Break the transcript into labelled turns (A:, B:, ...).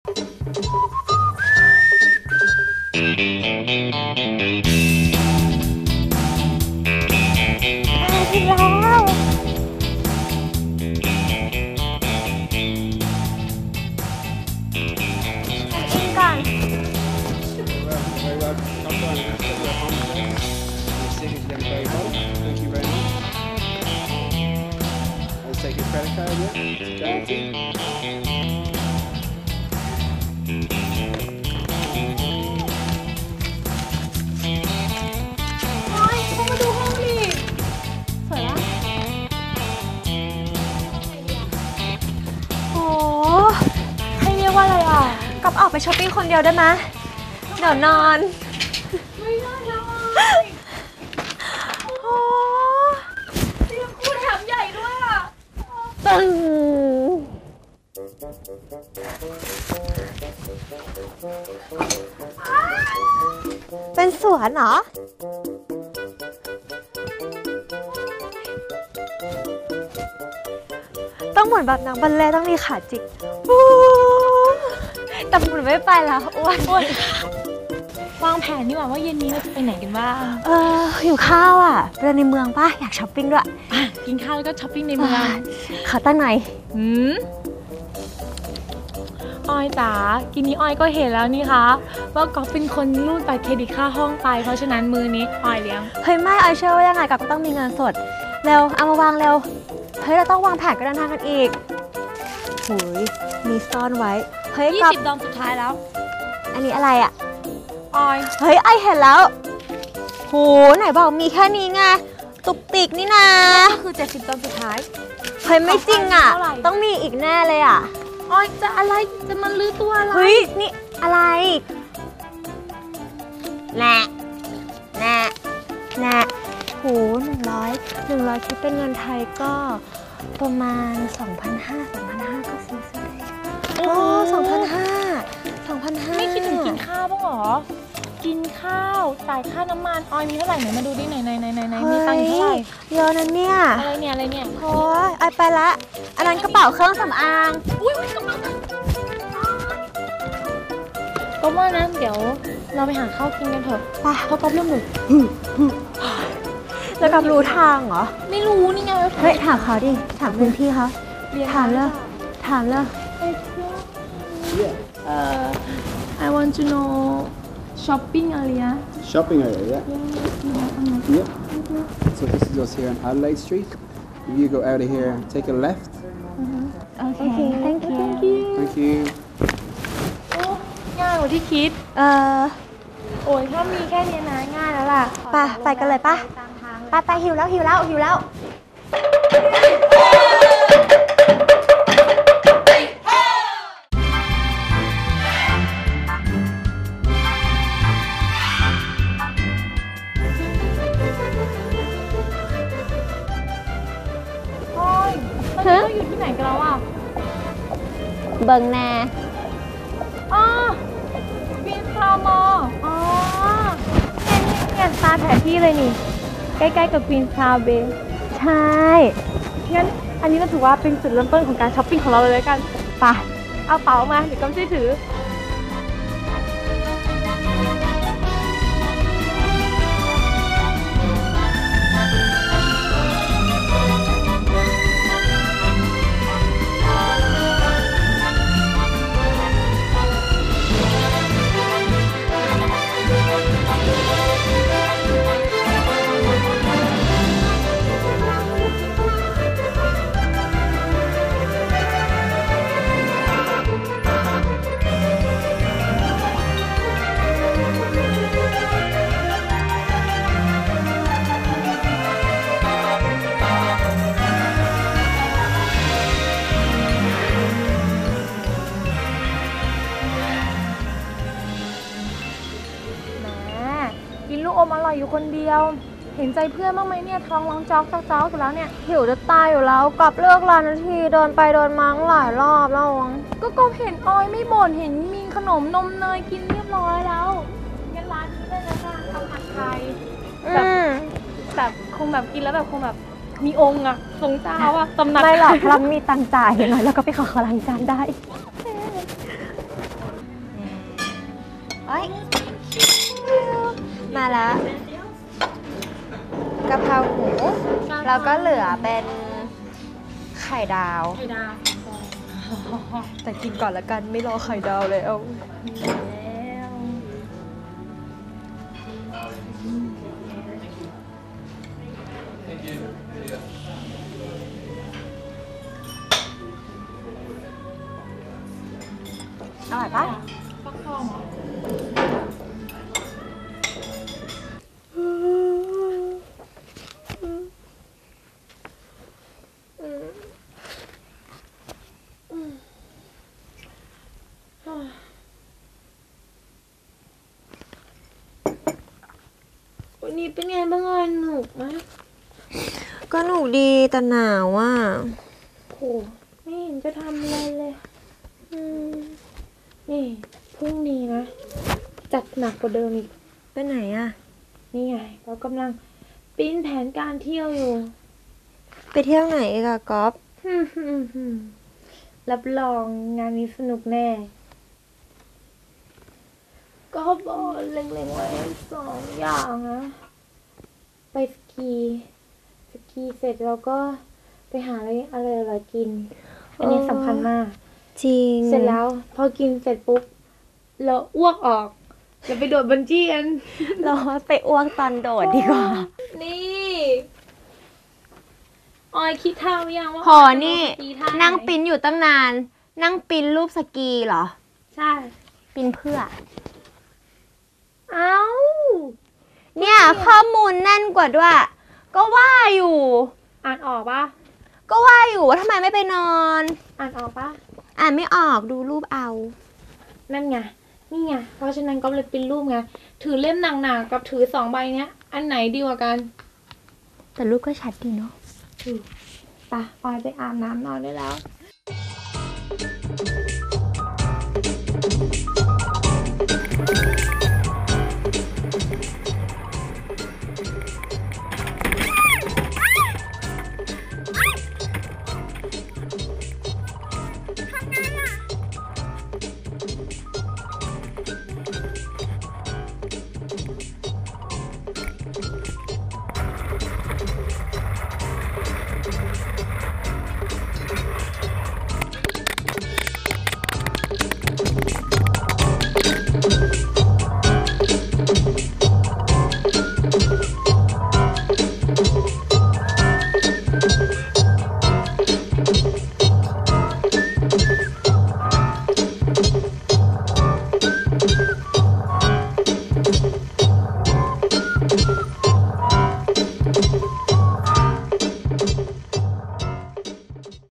A: ถึงแล้วอินก่อน
B: Very well. Come on, let's get your arms there. Your signature very well. Thank you very much. Let's take your credit card, yeah? Charity.
A: โอ้ยเข้ามาดูห้องดิสวยละโอ้ให้เรียกว่าอะไรอ่ะกับออกไปช้อปปิ้งคนเดียวได้ไหมเดี๋ยวนอนไม่ได้แล้วโอ้เตียงคู่แถมใหญ่ด้วยอ่ะตึงเป็นสวนเหรอต้องหมุนแบบนักบัลเล่ต์ต้องมีขาจิกแต่หมุนไม่ไปแล้วอ้วน
C: วางแผนดีกว่าว่าเย็นนี้เราจะไปไหนกันบ้าง
A: หิวข้าวอ่ะไปในเมืองป่ะอยากช้อปปิ้งด้วย
C: กินข้าวแล้วก็ช้อปปิ้งในเมือง
A: ขอตั้งหน่อย
C: ออยจ๋ากินนี้ออยก็เห็นแล้วนี่คะว่าก๊อฟเป็นคนรูดบัตรเครดิตค่าห้องไปเพราะฉะนั้นมือนี้ออยเลี้ยง
A: เฮ้ยไม่ออยเชื่อว่ายังไงก็ต้องมีเงินสดเร็วเอามาวางเร็วเฮ้ยเราต้องวางแผนการเดินทางกันอีกหุยมีซ่อนไว้เฮ้ย
C: 20 ดอลสุดท้ายแล้ว
A: อันนี้อะไรอ่ะ
C: ออย
A: เฮ้ยไอเห็นแล้วโหไหนบอกมีแค่นี้ไงตุกติกนี่นะ
C: ก็คือ70 ดอลสุดท้าย
A: เฮ้ยไม่จริงอ่ะต้องมีอีกแน่เลยอ่ะ
C: ออยจะอะไรจะมันลื้อตัวอะไร
A: เฮ้ยนี่อะไรแน่โห100คิดเป็นเงินไทยก็ประมาณ 2,500 ก็ซื้อได้โอ้2,500
C: ไม่คิดถึงกินข้าวบ้างหรอกินข้าวจ่ายค่าน้ำมันออยมีเท่าไหร่ไหนมาดูดิไหนมีตังค์เท่าไหร่
A: เยอะนะเนี่ย
C: อะไรเนี่ย
A: โอ้ยไอไปละอันนั้นกระเป๋าเครื่องสำอาง
C: อุ้ยกระเป๋าก็ว่านะเดี๋ยวเราไปหาข้าวกินกันเถอะเพราะก๊อฟเริ่มหนุก
A: แล้วกับรู้ทางเหรอ
C: ไม่รู้นี่ไง
A: เฮ้ยถามเขาดิถามพื้นที่เขาถามเลย
C: I want to know shopping area
B: yeah so this is us here on Adelaide Street if you go out of here take a left
A: okay thank you
C: ง่ายกว่าที่คิดโอ้ยถ้ามีแค่นี้นะง่ายแล้วล่ะ
A: ไปกันเลยป่ะไปหิวแล้ว
C: เราอยู่ที่ไหนกันแล้วอ่ะ
A: เบิงแน่
C: วินฟรามอเนี่ยตาแผนที่เลยนี่ใกล้ๆกับควีนซาวเบย์
A: ใช่
C: งั้นอันนี้ก็ถือว่าเป็นจุดเริ่มต้นของการช้อปปิ้งของเราเลยกัน
A: ไป
C: เอาเป๋ามาเดี๋ยวก็ช่วยถืออมอร่อยอยู่คนเดียวเห็นใจเพื่อนบ้างไหมเนี่ยท้องร้องจ๊อกอยู่แล้วเนี่ย
A: หิวจะตายอยู่แล้วกลับเลิกร้านนาทีเดินไปเดินมาหลายรอบแล้ว
C: ก็เห็นออยไม่บ่นเห็นมีขนมนมเนยกินเรียบร้อยแล้วงั้นร้านนี้เลยนะจ๊ะทำผัดไทยแบบคงแบบกินแล้วแบบคงแบบมีองค์อะทรงเจ้าอะตำหนัก
A: ไม่หรอกเรามีตังจ่ายหน่อยแล้วก็ไปขอล้างจานได้เอ้ยมาแล้วกะเพราหมูแล้วก็เหลือเป็นไข่ดาว
C: ไข่ดาว
A: แต่กินก่อนละกันไม่รอไข่ดาวแล้ว
C: แล้ว
A: อร่อยปะ
C: ฟักทองเหรอ วันนี้เป็นไงบ้างอ่ะหนุกไหม
A: ก็หนุกดีแต่หนาวอ่ะ
C: โหไม่เห็นจะทำอะไรเลยนี่พรุ่งนี้นะ จัดหนักกว่าเดิมอีก
A: ไปไหนอ่ะ
C: นี่ไง เรากำลังปิ้นแผนการเที่ยวอยู่
A: ไปเที่ยวไหนอีกอะก๊อฟ
C: รับรองงานนี้สนุกแน่ ก็บอกเล็งๆไว้2 อย่างนะ ไปสกีเสร็จแล้วก็ไปหาอะไรอร่อยๆกิน อันนี้สำคัญมาก
A: จริง
C: เสร็จแล้วพอกินเสร็จปุ๊บเราอ้วกออกจะไปโดดบันจี้กัน
A: เราไปอ้วกตอนโดดดีกว่า
C: นี่ออยคิดท่าหรือยังว่า
A: หอนี่
C: ออยจะลงสกีท่าไห
A: นั่งปิ้นอยู่ตั้งนาน นั่งปิ้นรูปสกีเหรอ
C: ใช่
A: ปิ้นเพื่อ
C: เอ้า
A: เนี่ยข้อมูลแน่นกว่าด้วย ก็ว่าอยู่
C: อ่านออกปะ
A: ก็ว่าอยู่ว่าทำไมไม่ไปนอน
C: อ่านออกปะ
A: อ่านไม่ออกดูรูปเอา
C: นั่นไงนี่ไงเพราะฉะนั้นก็เลยเป็นรูปไงถือเล่มหนักๆกับถือ2 ใบเนี้ย อันไหนดีกว่ากัน
A: แต่รูปก็ชัดดีเนาะ
C: ไปออยไปอาบน้ำนอนได้แล้ว